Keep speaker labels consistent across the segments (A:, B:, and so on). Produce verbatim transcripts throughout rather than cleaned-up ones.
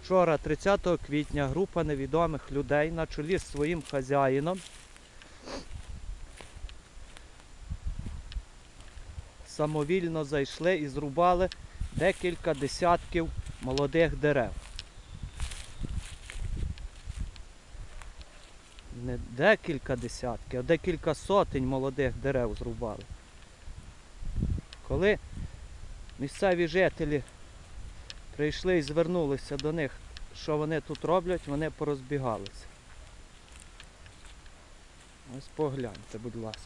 A: Вчора, тридцятого квітня, група невідомих людей на чолі з своїм хазяїном самовільно зайшли і зрубали декілька десятків молодих дерев. Не декілька десятків, а декілька сотень молодих дерев зрубали. Коли місцеві жителі прийшли і звернулися до них, що вони тут роблять, вони порозбігалися. Ось погляньте, будь ласка.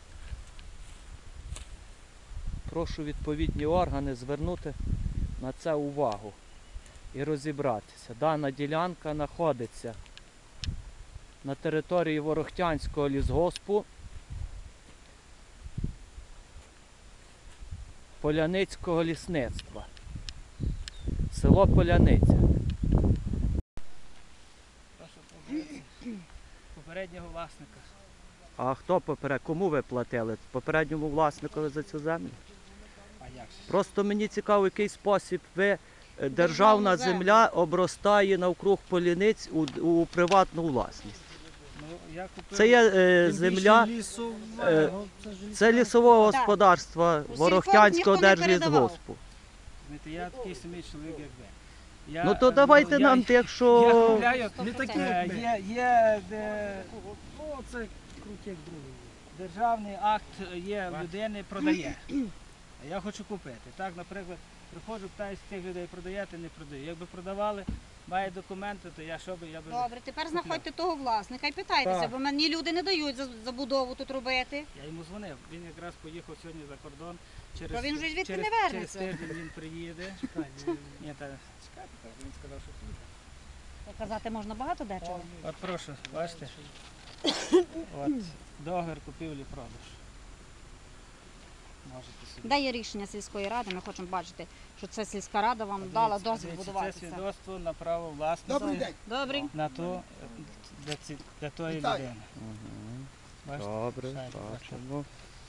A: Прошу відповідні органи звернути на це увагу і розібратися. Дана ділянка знаходиться на території Ворохтянського лісгоспу Поляницького лісництва. Село Поляниця.
B: Попереднього власника.
A: А хто поперед? Кому ви платили? Попередньому власникові за цю землю?
B: А як же?
A: Просто мені цікаво, в який спосіб ви, державна земля обростає навкруг Поляниць у, у приватну власність.
B: Ну, я купив...
A: Це є е, земля, е, це лісового господарства Ворохтянського держлісгоспу.
B: Знаєте, я такий самий чоловік, як ви. Я,
A: Ну то давайте
B: я,
A: нам,
B: я,
A: якщо...
B: Я купляю,
C: Не такі,
B: е,
C: як ми.
B: є, є де,
C: Ну, це крутяк як другий.
B: державний акт є в людини, продає. А я хочу купити. Так, наприклад, приходжу, питаюся тих людей, продаєте, не продаю. Якби продавали, має документи, то я що би, я би...
D: Добре, тепер знаходьте того власника і питайтеся,
C: Так.
D: бо мені люди не дають за- забудову тут робити.
B: Я йому дзвонив, він якраз поїхав сьогодні за кордон. Через,
D: То він вже звідти
B: через,
D: не
B: через
D: вернеться.
B: тиждень він приїде. Ні, та чекайте, так, він сказав, що приїде.
D: Казати можна багато дечого.
B: От прошу, бачите? От, договір купівлі-продаж. Можете собі.
D: Де є рішення сільської ради, ми хочемо бачити, що це сільська рада вам дала
B: Дивіться,
D: дозвіл
B: дивіться, Це
D: будуватися.
B: свідоцтво на право власності
C: Добрий день.
D: Добрий.
B: на ту, для, ці, для тої
C: Вітаю.
B: людини.
A: Мгм.
B: Бачите?
A: Добре,
B: Шайба
A: бачимо.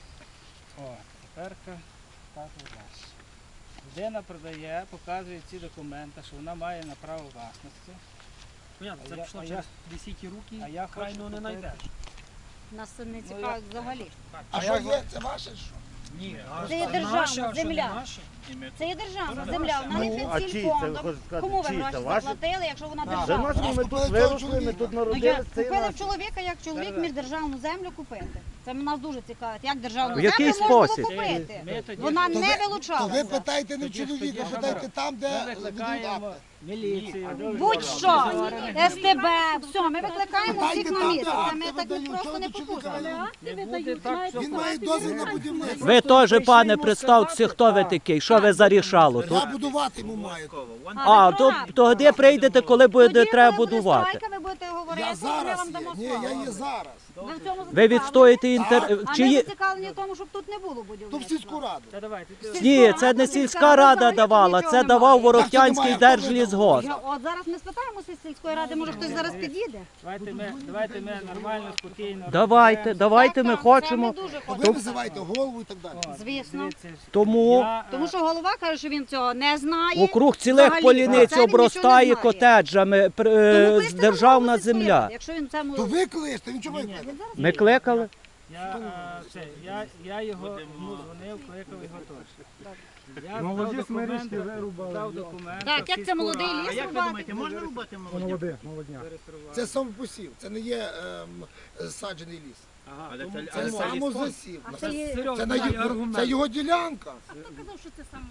B: О, теперка так і далі. Людина продає, показує ці документи, що вона має на право власності.
C: Понятно,
B: А
C: це
B: я-
C: пішло
B: а
C: через
B: я-
C: десяті руки,
B: а я
C: крайно
B: хочу
C: не
B: купити.
C: знайдеш.
D: Нас це не
B: я-
D: цікавить взагалі.
C: А що є? Це ваше що?
B: Ні,
D: Це є державна земля. Це є державна земля, вона не
E: Ну, а
D: під
E: чий це,
D: сільфондом.
E: хочеш сказати,
D: Кому ви
E: чий це?
D: гроші
E: Ваші?
D: заплатили, якщо вона
C: Так.
E: За
D: державна?
E: нас ми тут
C: купили того
E: виросли, ми
C: чоловіка.
E: тут
D: Ну, я
E: народилися. це
D: купили
E: наше.
D: в чоловіка, як чоловік
B: Да-да.
D: міг державну землю купити. Це нас дуже цікавить, як державну
A: В який
D: землю можна
A: спосіб?
D: було купити.
B: Ми тоді-
D: Вона
C: То
D: не
C: ви- То ви
D: вилучалася.
C: питайте не в
B: Тоді-
C: чоловіка,
B: тоді
C: питайте
B: що
C: там,
B: Ми
C: де ведуть
B: викликаємо
C: акти.
B: міліцію.
D: Будь-що, ес те бе, все, ми викликаємо
C: Питайте
D: всіх на
C: там,
D: місце.
C: де
D: Це
C: акти
D: ми так
C: видають,
D: просто
C: чого
D: не
C: до чоловіка
D: попустимо.
B: Не буде так, що
C: Він має дозвіл на будівництво.
A: Ви теж, пане, представтеся, хто ви такий, що ви зарішало тут?
C: Я будувати йому маю.
A: А, то тоді прийдете, коли буде треба будувати.
D: Ви будете говорити,
C: Я
D: ми
C: зараз
D: вам
C: є.
D: дамо
C: Ні,
D: слово.
C: я є зараз.
D: Ви в цьому
A: Ви
D: зацікавлені?
A: відстоїте інтер...
D: А
A: Чи
D: ми
A: є...
D: зацікавлені в тому, щоб тут не було
C: То в
D: будівництва.
C: сільську раду.
B: Та давайте. ти-
A: Ні, це не сільська рада давала, це давав Ворохтянський держлісгосп.
D: Я- От зараз ми спитаємося з сільської ради, може хтось зараз під'їде.
B: Давайте ми, давайте ми нормально, спокійно.
A: Давайте,
B: розберемося.
A: давайте ми
D: Так, так, це
A: хочемо.
D: ми дуже
C: То ви
D: хочемо.
C: визивайте голову і так далі.
B: О,
D: Звісно.
B: дивіться,
A: Тому
B: я, е,
D: Тому що голова каже, що він цього не знає.
A: округ цілих
D: Взагалі,
A: Поляниць
D: це він
A: обростає
D: нічого не знає.
A: котеджами, пр-
D: Тому
A: е,
D: кличте
A: державна
D: голову сільської
A: земля.
D: ради, Якщо він цьому...
C: То ви кличте, він чого ви
B: Ні, ні.
C: кличете?
A: Ми кликали?
B: Я, е, це, я, я його йому дзвонив, кликав його теж. Я
F: Молоді
B: дав
F: смирічки
B: документи,
F: вирубали.
B: дав документи.
D: Так, як це молодий
B: сільську
D: ліс
B: раду.
D: рубати?
E: можна рубати молоді?
F: Молоде, молодня.
B: Зареєстрували.
C: Це самопосів, це не є ем, саджений ліс.
B: Ага,
E: Але
B: тому
E: це-
C: Це
E: але це
C: самозасів.
D: А
C: Це,
D: це є...
B: Серйозно,
C: це, на
B: дай
C: його-
B: аргумент.
C: це його ділянка.
D: Хто казав, що це саме?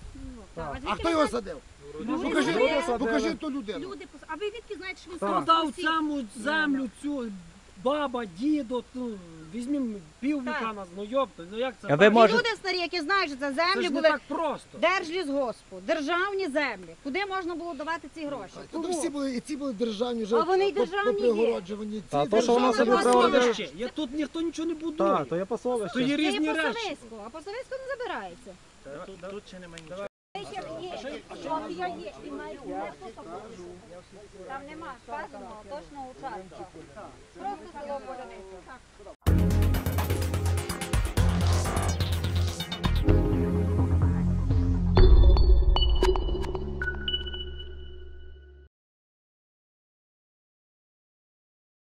C: А хто його садив?
D: Люди
C: Покажи,
D: садили.
C: покажи ту людину.
D: Люди, пос- а ви відки знаєте, що він
F: Так.
D: сам
C: Ну,
F: Дав саму землю цю, баба, дідо, ну, візьмім піввіка
D: Так.
F: нас, ну йопта, ну як це?
A: А ви
F: так?
D: І
A: може-
D: люди старі, які знають, що це
F: Це
D: землі
F: ж не
D: були
F: так просто.
D: держлісгоспу, державні землі. Куди можна було давати ці гроші?
C: То
D: Кому?
C: всі були, і ці були державні вже
D: А вони й
C: по-
D: державні є.
C: попригороджувані. Ці
A: Та то, що
C: державні.
A: воно собі
D: Державна
A: право
D: власність.
F: Ще, я тут ніхто нічого не будує. Так, то є посолище. То є
D: Це є
F: різні
D: по
F: речі.
D: Совиську, а по Совиську не забирається.
E: Тут, тут ще немає нічого.
D: Там нема сказаного точного участка. Просто село Поляниця.